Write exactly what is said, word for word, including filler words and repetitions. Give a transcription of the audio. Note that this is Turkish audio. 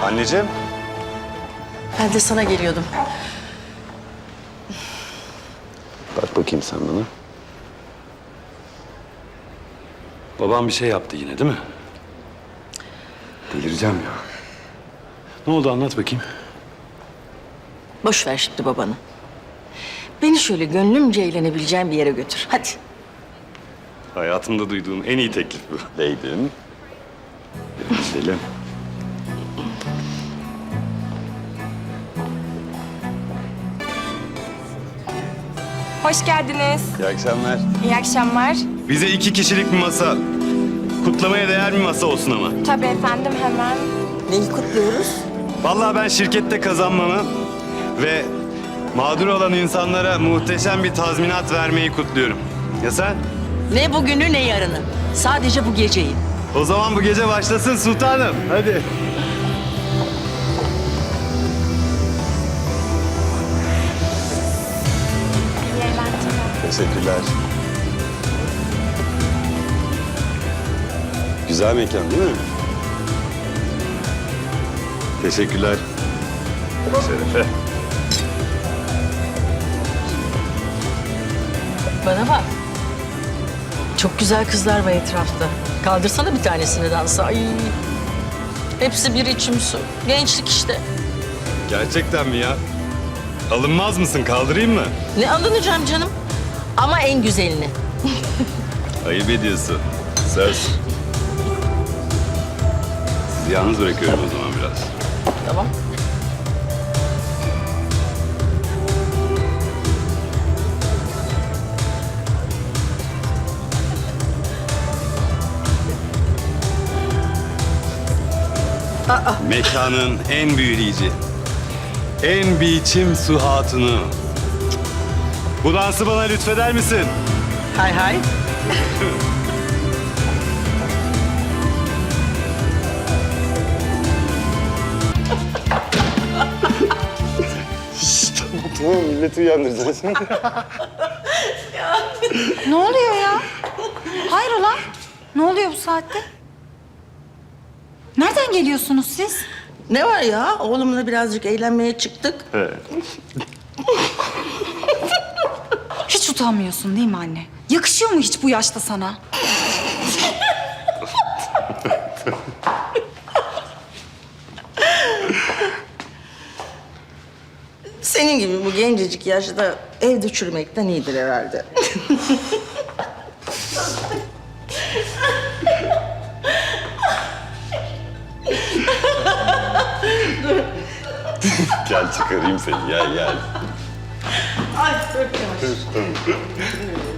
Anneciğim. Ben de sana geliyordum. Bak bakayım sen bana. Babam bir şey yaptı yine değil mi? Delireceğim ya. Ne oldu anlat bakayım. Boş ver şimdi babanı. Beni şöyle gönlümce eğlenebileceğim bir yere götür. Hadi. Hayatımda duyduğum en iyi teklif bu. Değdim. Gidelim. Hoş geldiniz. İyi akşamlar. İyi akşamlar. Bize iki kişilik bir masa. Kutlamaya değer bir masa olsun ama. Tabii efendim, hemen. Neyi kutluyoruz? Vallahi ben şirkette kazanmamı ve mağdur olan insanlara muhteşem bir tazminat vermeyi kutluyorum. Ya sen? Ne bugünü ne yarını. Sadece bu geceyi. O zaman bu gece başlasın sultanım. Hadi. İyi eğlenceler. Teşekkürler. Güzel mekan değil mi? Teşekkürler. Şerefe. Bana bak. Çok güzel kızlar var etrafta. Kaldırsana bir tanesini dansa. Ay. Hepsi bir içim su. Gençlik işte. Gerçekten mi ya? Alınmaz mısın? Kaldırayım mı? Ne alınacağım canım? Ama en güzelini. Ayıp ediyorsun. Söz. Sizi yalnız bırakıyorum o zaman biraz. Tamam. Mekanın en büyüleyici, en biçim su hatunu. Bu dansı bana lütfeder misin? Hay hay. Tamam, milleti uyandıracaksın. Ne oluyor ya? Hayrola? Ne oluyor bu saatte? Nereden geliyorsunuz siz? Ne var ya? Oğlumla birazcık eğlenmeye çıktık. Evet. Hiç utanmıyorsun değil mi anne? Yakışıyor mu hiç bu yaşta sana? Senin gibi bu gencecik yaşta evde çürümekten iyidir herhalde. Gel çıkarayım seni, gel gel. Ay çok yavaş.